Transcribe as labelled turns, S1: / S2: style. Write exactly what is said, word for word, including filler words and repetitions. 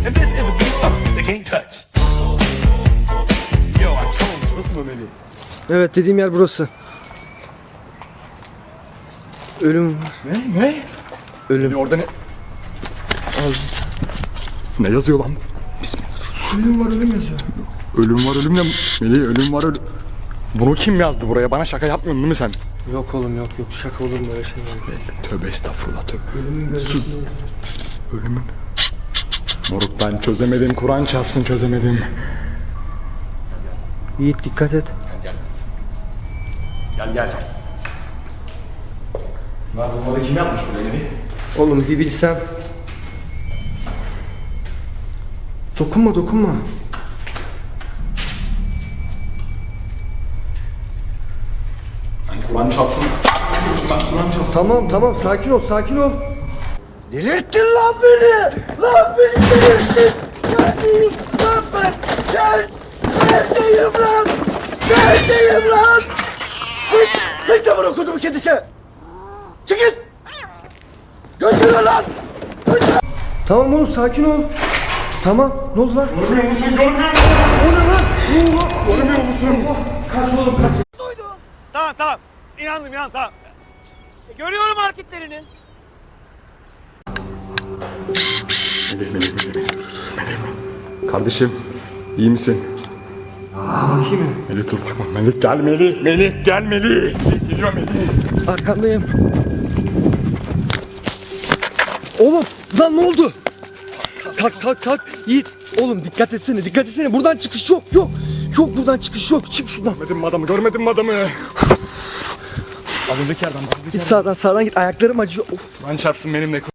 S1: And this is a beat uh, they can't touch. Yo, I told you.
S2: Burası mı Melih?
S3: Evet, dediğim yer burası. Ölüm var.
S2: Ne? Ne?
S3: Ölüm.
S2: Melih orada ne? Ne yazıyor lan? Bismillah.
S3: Ölüm var, ölüm yazıyor.
S2: Ölüm var ölüm ne? Melih ölüm var ölüm. Bunu kim yazdı buraya? Bana şaka yapmıyorsun değil mi sen?
S3: Yok oğlum, yok yok. Şaka olur mu öyle şey var?
S2: Tövbe estağfurullah tövbe.
S3: Ölümün gözü.
S2: Ölümün. Moruk ben çözemedim. Kur'an çarpsın çözemedim.
S3: Yiğit dikkat et.
S2: Gel gel. Bunlar bunları kim yazmış buraya Melih?
S3: Oğlum bir bilsem. Dokunma dokunma.
S2: Ben Kur'an çarpsın. Ben Kur'an çarpsın.
S3: Tamam tamam, sakin ol sakin ol.
S4: Delirttin lan beni! Lan beni delirttin! Neredeyim lan ben? Gel! Neredeyim lan? Neredeyim lan? Hiç, hiç de bunu kudumu kedisi! Çıkın! Götürün lan!
S3: Tamam oğlum, sakin ol. Tamam, ne oldu lan?
S2: Görmüyor musun? Görmüyor musun?
S3: O ne lan? Ne oldu?
S2: Görmüyor musun?
S3: Kaç oğlum kaç.
S1: Tamam tamam. İnandım inan tamam. Görüyorum hareketlerini.
S2: Melih, Melih, Melih, Melih. Melih. Kardeşim, iyi misin?
S3: Bakayım mı?
S2: Melih dur bakma. Melih gel Melih. Melih gel Melih. Melih geliyor Melih.
S3: Arkandayım. Oğlum lan ne oldu? Kalk kalk kalk. Yiğit. Oğlum dikkat etsene, dikkat etsene. Buradan çıkış yok yok. Yok buradan çıkış yok. Çık şuradan.
S2: Görmedin mi adamı? Görmedin mi adamı? Az önceki yerden. Az önceki
S3: Git sağdan sağdan git. Ayaklarım acıyor. Of.
S2: Kur'an çarpsın benimle.